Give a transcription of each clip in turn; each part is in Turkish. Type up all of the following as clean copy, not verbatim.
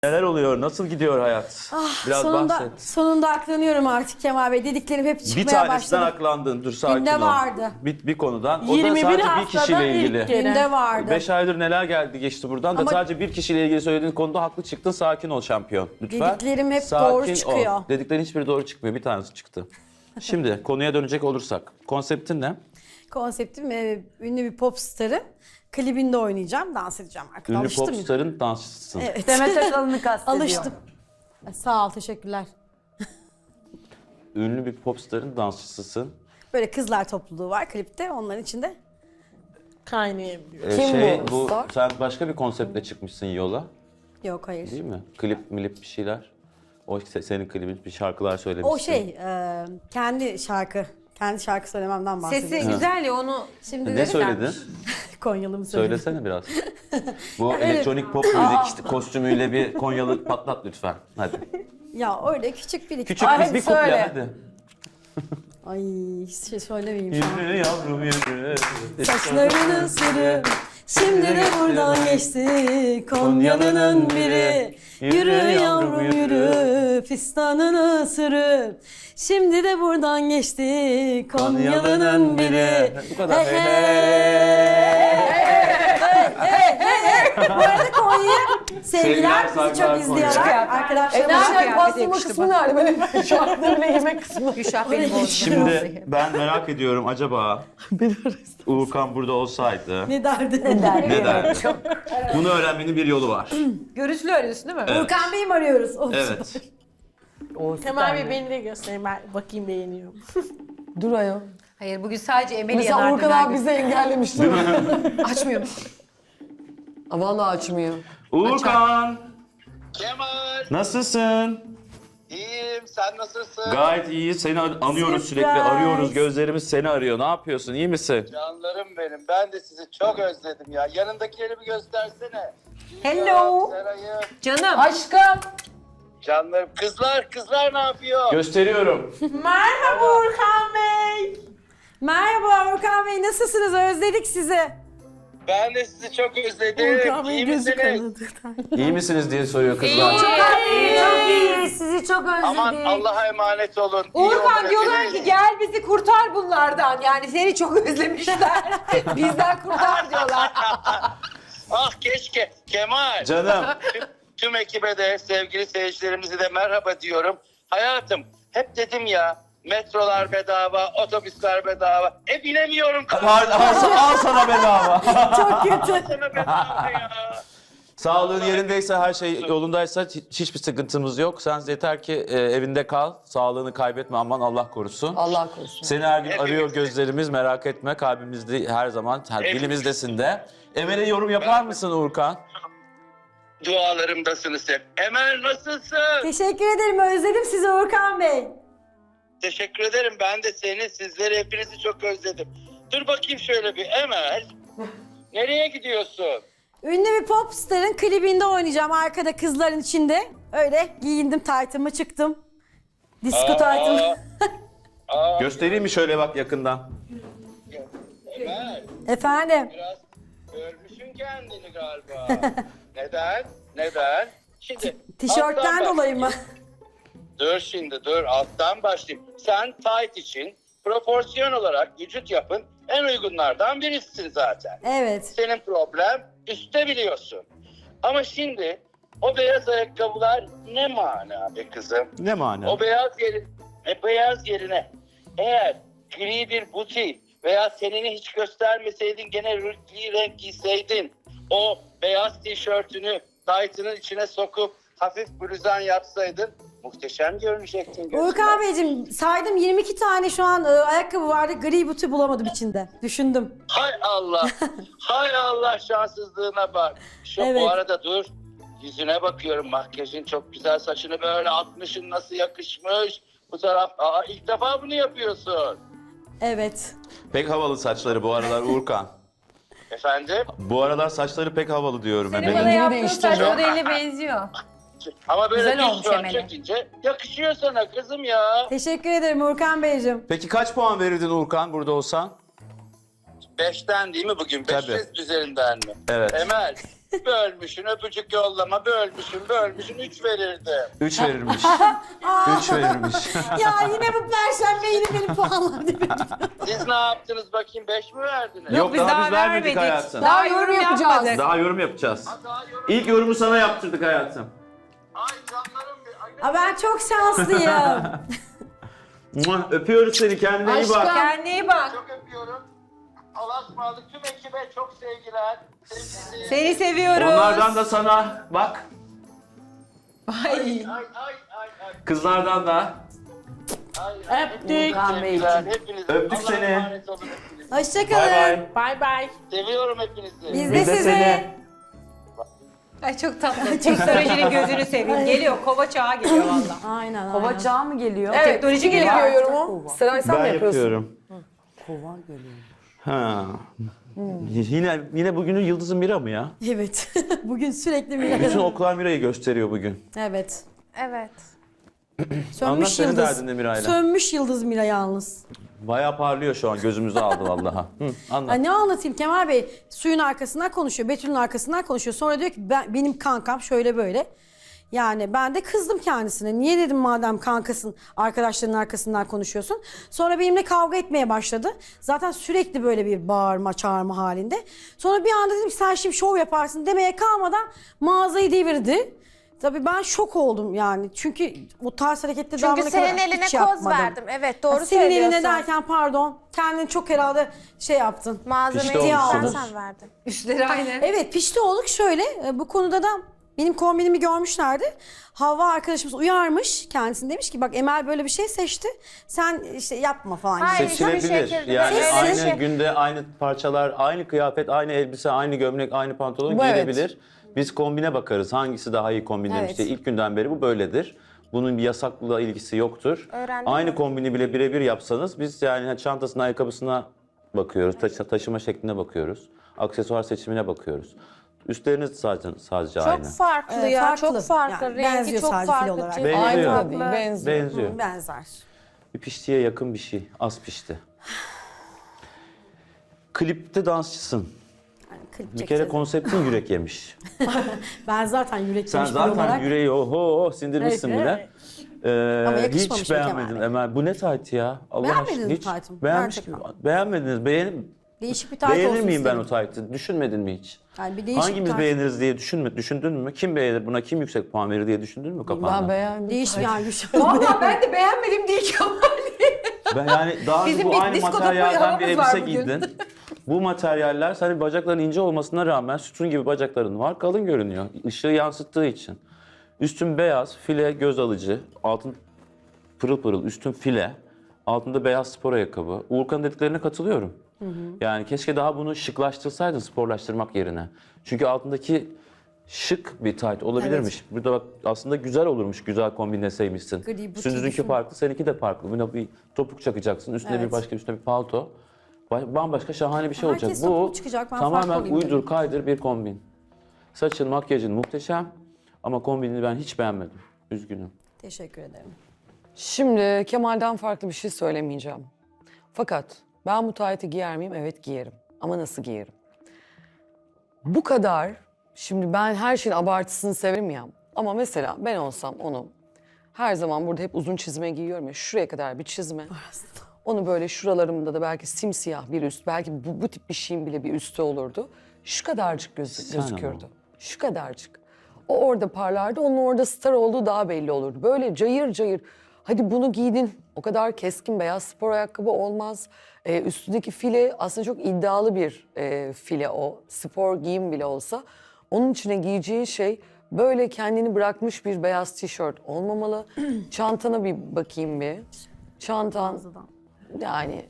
Neler oluyor? Nasıl gidiyor hayat? Biraz bahset. Sonunda aklanıyorum artık Kemal Bey. Dediklerim hep Bir çıkmaya tanesinden başladı. aklandın. Dur sakin Günde ol. vardı. Bir konudan. O da 21 sadece bir haftada kişiyle ilk ilgili. kere. Günde vardı. 5 aydır neler geldi geçti buradan da Ama- sadece bir kişiyle ilgili söylediğin konuda haklı çıktın. Sakin ol şampiyon. Lütfen. Dediklerim hep Sakin doğru çıkıyor. Ol. Dediklerin hiçbiri doğru çıkmıyor. Bir tanesi çıktı. Şimdi konuya dönecek olursak. Konseptin ne? Konseptim ünlü bir pop starı. Klibinde oynayacağım, dans edeceğim arkada. Ünlü Alıştım ya. popstarın dansçısısın. Evet. Demet Akalın'ı kastediyor. Alıştım. Sağ ol, teşekkürler. Ünlü bir popstarın dansçısısın. Böyle kızlar topluluğu var klipte, onların içinde. Kaynayabiliyor. Kim bu bu star? sen başka bir konseptle çıkmışsın yola. Yok, hayır. Değil mi? Klip milip bir şeyler. O senin klibin bir şarkılar söylemişsin. O kendi şarkı söylememden bahsediyorum. Sesi güzel ya onu. Şimdi Ne de söyledin? Konyalı mı söyledim? Söylesene biraz. Bu elektronik pop müzik işte kostümüyle bir Konyalı patlat lütfen. Hadi. Ya öyle küçük bir iki. Küçük Ay, bir kuple söyle. hadi. Ay hiç şey söylemeyeyim şu an. Yürü yavrum yürü. Saçlarını sürüp şimdi de buradan geçti Konyalı'nın biri. Yürü yavrum yürü, fistanını sürüp şimdi de buradan geçti Konyalı'nın biri. Bu kadar. Hey, Bu arada Konya'ya sevgiler, bizi saygılar çok izliyorlar. Konya'ya. Arkadaşlarım Nerede pastırma kısmı nerede? Benim şu anda bile yemek kısmı. Gülşah benim olsun. Şimdi ben merak ediyorum acaba Uğurkan burada olsaydı ne derdi? ne derdi? Bunu öğrenmenin bir yolu var. Görüntülü arıyorsun değil mi? Evet. Urkan Bey'i mi arıyoruz? Of. Evet. Kemal Bey beni de göstereyim, ben bakayım beğeniyor. Dur ayol. Hayır bugün sadece Emel'i Mesela yanardım. Urkan abi bizi engellemiş değil mi? Açmıyor. Aa, vallahi açmıyor. Uğurkan Kemal, nasılsın? iyiyim. Sen nasılsın? Gayet iyi. Seni anıyoruz sürekli. Surprise. Arıyoruz. Gözlerimiz seni arıyor. Ne yapıyorsun? İyi misin? Canlarım benim. Ben de sizi çok özledim ya. Yanındakileri bir göstersene. Hello. Seray'ım. Canım. Aşkım. Canlarım. Kızlar ne yapıyor? Gösteriyorum. Merhaba Urkan Bey. Merhaba Urkan Bey, nasılsınız? Özledik sizi. Ben de sizi çok özledim. Urkan İyi Bey gözü misiniz? kanadı. İyi misiniz diye soruyor kızlar. Çok iyi. Sizi çok özledik. Aman Allah'a emanet olun. İyi Uğurkan olun diyorlar hepiniz. ki gel bizi kurtar bunlardan. Yani seni çok özlemişler. Bizden kurtar diyorlar. Ah keşke. Kemal. Canım. Tüm ekibe de sevgili seyircilerimize de merhaba diyorum. Hayatım hep dedim ya metrolar bedava, otobüsler bedava. Binemiyorum. Al sana bedava. Çok kötü. Sana bedava ya. Sağlığın yerindeyse, her şey yolundaysa hiçbir sıkıntımız yok. Sen yeter ki evinde kal, sağlığını kaybetme, aman Allah korusun. Allah korusun. Seni her gün Hepimiz. arıyor gözlerimiz, merak etme. Kalbimizde her zaman, dilimizdesin de. Emel'e yorum yapar mısın Uğurkan? Dualarımdasınız hep. Emel nasılsın? Teşekkür ederim, özledim sizi Urkan Bey. Teşekkür ederim. Ben de seni, sizleri, hepinizi çok özledim. Dur bakayım şöyle bir. Emel. Nereye gidiyorsun? Ünlü bir pop starın klibinde oynayacağım arkada kızların içinde. Öyle giyindim, taytımı çıktım. Disko taytımı. Göstereyim mi şöyle bak yakından? Emel. Efendim? Biraz görmüşsün kendini galiba. Neden? Şimdi Tişörtten alttan dolayı mı? Dur alttan başlayayım. Sen tight için proporsiyon olarak vücut yapın en uygunlardan birisin zaten. Evet. Senin problem üstte biliyorsun. Ama şimdi o beyaz ayakkabılar ne mana be kızım? Ne mana? O beyaz yerine eğer gri bir buti veya seneni hiç göstermeseydin gene renkli renk giyseydin o beyaz tişörtünü taytının içine sokup hafif bluzan yapsaydın muhteşem görünecektin. gözüme. Urkan Beyciğim saydım 22 tane şu an ayakkabı vardı. Gri butu bulamadım içinde. Düşündüm. Hay Allah. Hay Allah şanssızlığına bak. Evet. Bu arada dur. Yüzüne bakıyorum. Makyajın çok güzel. Saçını böyle atmışsın. Nasıl yakışmış. Bu taraf. İlk defa bunu yapıyorsun. Evet. Pek havalı saçları bu aralar Uğurkan. Efendim? Bu aralar saçları pek havalı diyorum Senin Emel'in. bana yaptığın değiştireceğim. saç modeline benziyor. Ama böyle Güzel olmuş düz fön Emel'e. çekince yakışıyor sana kızım ya. Teşekkür ederim Urkan Beyciğim. Peki kaç puan verirdin Uğurkan burada olsan? 5'ten değil mi bugün? Tabii. 500 üzerinden mi? Evet. Emel Bölmüşsün, öpücük yollama, bölmüşsün 3 verirdim. 3 verirmiş. 3 verirmiş. Ya yine bu perşembe yine benim puanlar değil mi? Siz ne yaptınız bakayım, 5 mi verdiniz? Yok biz daha daha biz vermedik vermedik. hayatım. Daha yorum yapacağız. yapmadık. Daha yorum yapacağız. Daha yorum... İlk yorumu sana yaptırdık hayatım. Ay canlarım bir... Aa, ben çok şanslıyım. Muah, öpüyoruz seni, kendine iyi bak. Aşkım. Kendine iyi bak. Çok öpüyorum. Allah'a ısmarladık, tüm ekibe çok sevgiler. Sevgili... Seni seviyoruz. Onlardan da sana bak. Ay. Ay. Kızlardan da. Öptük. Sevgiler hepinize. Öptük Allah'a seni. emanet olun hepiniz. Hoşçakalın. Bay bay. Bay bay. Seviyorum hepinizi. Biz de Biz de sizi. seni. Ay çok tatlı. Teknolojinin gözünü seveyim. Geliyor. Kova çağı geliyor valla. Aynen. Kova çağı mı geliyor? Teknoloji Kim geliyor. yapıyor yorumu? Seray sen mi Ben yapıyorsun? yapıyorum. Kova geliyor. Ha. Yine bugünün yıldızı Mira mı ya? Evet. Bugün sürekli Bütün bir... oklar Mira'yı gösteriyor bugün. Evet. Evet. Anlat Sönmüş senin yıldız. derdin de Mira'yla. Sönmüş yıldız Mira yalnız. Bayağı parlıyor şu an, gözümüzü aldı vallahi. Anlat. Ay ne anlatayım Kemal Bey? Suyun arkasından konuşuyor, Betül'ün arkasından konuşuyor. Sonra diyor ki benim kankam şöyle böyle. Yani ben de kızdım kendisine. Niye dedim madem kankasın, arkadaşlarının arkasından konuşuyorsun. Sonra benimle kavga etmeye başladı. Zaten sürekli böyle bir bağırma, çağırma halinde. Sonra bir anda dedim ki sen şimdi şov yaparsın demeye kalmadan mağazayı devirdi. Tabii ben şok oldum yani. Çünkü bu tarz harekette Çünkü senin eline koz verdim. Evet doğru Senin söylüyorsun. eline derken pardon. Kendini çok herhalde şey yaptın. Pişti Malzemeyi sen olmuşsunuz. sen verdin. Üstleri aynı. Evet pişti olduk şöyle. Bu konuda da benim kombinimi görmüşlerdi. Havva arkadaşımız uyarmış kendisini, demiş ki bak Emel böyle bir şey seçti. Sen işte yapma falan. Hayır. Seçilebilir. şekilde. Yani Evet. aynı Şey- günde aynı parçalar, aynı kıyafet, aynı elbise, aynı gömlek, aynı pantolon Bu evet. giyilebilir. Biz kombine bakarız. Hangisi daha iyi kombinlemiş Evet. diye. İlk günden beri bu böyledir. Bunun bir yasakla ilgisi yoktur. Öğrendim Aynı mi? kombini bile birebir yapsanız biz yani çantasına, ayakkabısına bakıyoruz. Taşıma şekline bakıyoruz. Aksesuar seçimine bakıyoruz. Üstleriniz sadece aynı. Çok farklı Evet, ya. farklı. Çok farklı. Yani Rengi benziyor çok sadece fil farklı. olarak. tüy Benziyor. Aynı farklı. da değil, benziyor. Benziyor. Benzer. Bir piştiye yakın bir şey. Az pişti. Klipte dansçısın. Yani klip Bir kere çekeceğiz. konseptin yürek yemiş. Ben zaten yürek Sen yemiş biri zaten olarak. yüreği oho sindirmişsin Evet, bile. Ama yakışmamış Hiç mı Kemal beğenmedin Bey? Emel. Bu ne tayt ya? Allah Beğenmediniz aşkına. mi Hiç taytımı? beğenmiş, Gerçekten. beğenmediniz. Değişik bir tayt Beğenir olsun miyim ben istedim. o taytı? Düşünmedin mi hiç? Yani bir değişik Hangimiz tayt. beğeniriz diye düşündün mü? Kim beğenir? Buna kim yüksek puan verir diye düşündün mü kafanda? Ben beğendim. Değişik yani Gülşen. Valla ben de beğenmedim değil Kemal. Ben yani daha önce Bizim bu bir aynı diskoda materyalden bir havamız var elbise bugün. giydin. Bu materyaller senin bacakların ince olmasına rağmen sütun gibi bacakların var. Kalın görünüyor. Işığı yansıttığı için. Üstün beyaz, file göz alıcı. Altın pırıl pırıl, üstün file. Altında beyaz spor ayakkabı. Uğurkan'ın dediklerine katılıyorum. Yani keşke daha bunu şıklaştırsaydın sporlaştırmak yerine. Çünkü altındaki şık bir tayt olabilirmiş. Burada bak aslında güzel olurmuş, güzel kombinleseymişsin. Gri, butik Sündüz'ünki düşün. farklı, seninki de farklı. Buna bir topuk çakacaksın, üstüne bir Evet. başka, üstüne bir palto. Bambaşka şahane bir şey Herkes olacak. topuk Bu çıkacak, ben farklı tamamen olayım uydur dedim. kaydır bir kombin. Saçın, makyajın muhteşem ama kombinini ben hiç beğenmedim. Üzgünüm. Teşekkür ederim. Şimdi Kemal'den farklı bir şey söylemeyeceğim. Fakat ben bu taytı giyer miyim? Evet giyerim. Ama nasıl giyerim? Bu kadar, şimdi ben her şeyin abartısını severim ya. Ama mesela ben olsam onu her zaman burada hep uzun çizme giyiyorum ya. Şuraya kadar bir çizme. Onu böyle şuralarımda da belki simsiyah bir üst, belki bu tip bir şeyin bile bir üstü olurdu. Şu kadarcık Sen gözükürdü. ama. Şu kadarcık. O orada parlardı, onun orada star olduğu daha belli olurdu. Böyle cayır cayır. Hadi bunu giydin, o kadar keskin beyaz spor ayakkabı olmaz. Üstündeki file aslında çok iddialı bir file o. Spor giyim bile olsa. Onun içine giyeceğin şey böyle kendini bırakmış bir beyaz tişört olmamalı. Çantana bir bakayım bir. Çantan yani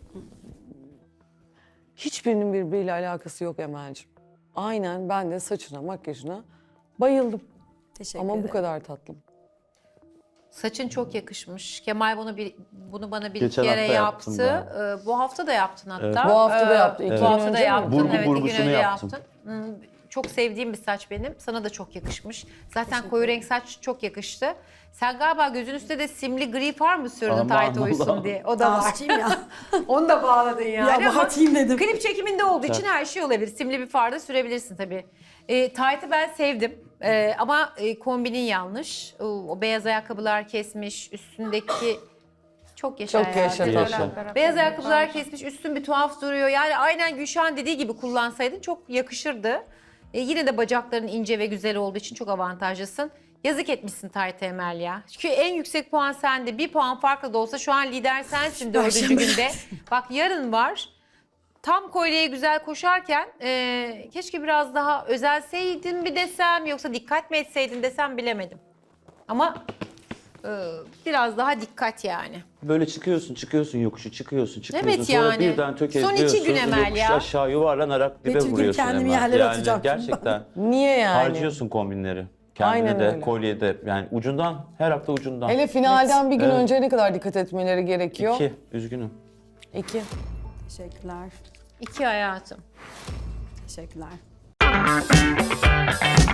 hiçbirinin birbiriyle alakası yok Emel'ciğim. Aynen ben de saçına, makyajına bayıldım. Teşekkür Ama ederim. bu kadar tatlım. Saçın çok yakışmış. Kemal bunu bana bir Geçen kere hafta yaptım yaptı. Bu hafta da yaptın hatta. Bu hafta da yaptı. İki Bu gün hafta da önce mi? yaptın. Burgu Evet, 2 gün burgusunu önce yaptım. yaptın. Çok sevdiğim bir saç benim. Sana da çok yakışmış. Zaten koyu renk saç çok yakıştı. Sen galiba gözün üstünde de simli gri far mı sürdün Aman tayt Allah. uysun diye. O da var. Dansçıyım ya. Onu da bağladın yani. Ya Ama abartayım dedim. Klip çekiminde olduğu için her şey olabilir. Simli bir far da sürebilirsin tabii. Tayt'ı ben sevdim. Ama kombinin yanlış. O beyaz ayakkabılar kesmiş, üstündeki... Çok yaşa Çok hayatım. yaşa. Yaşa. Beyaz ayakkabılar kesmiş, üstün bir tuhaf duruyor. Yani aynen Gülşah'ın dediği gibi kullansaydın çok yakışırdı. Yine de bacakların ince ve güzel olduğu için çok avantajlısın. Yazık etmişsin Tayt'a Emel ya. Çünkü en yüksek puan sende. 1 puan farklı da olsa şu an lider sensin 4. günde. Bak yarın var. Tam kolyeye güzel koşarken keşke biraz daha özelseydin mi desem yoksa dikkat mi etseydin desem bilemedim. Ama biraz daha dikkat yani. Böyle çıkıyorsun yokuşu, çıkıyorsun. Evet Sonra yani. birden tökezliyorsun. Son 2 gün Emel yokuş ya. aşağı yuvarlanarak dibe Betül gibi vuruyorsun kendimi Emel. yerlere Yani atacağım. gerçekten Niye yani? harcıyorsun kombinleri. Kendine Aynen de, öyle. kolyede. Yani ucundan, her hafta ucundan. Hele finalden bir gün Evet. önce ne kadar dikkat etmeleri gerekiyor? 2, üzgünüm. 2. Teşekkürler. 2 hayatım. Teşekkürler.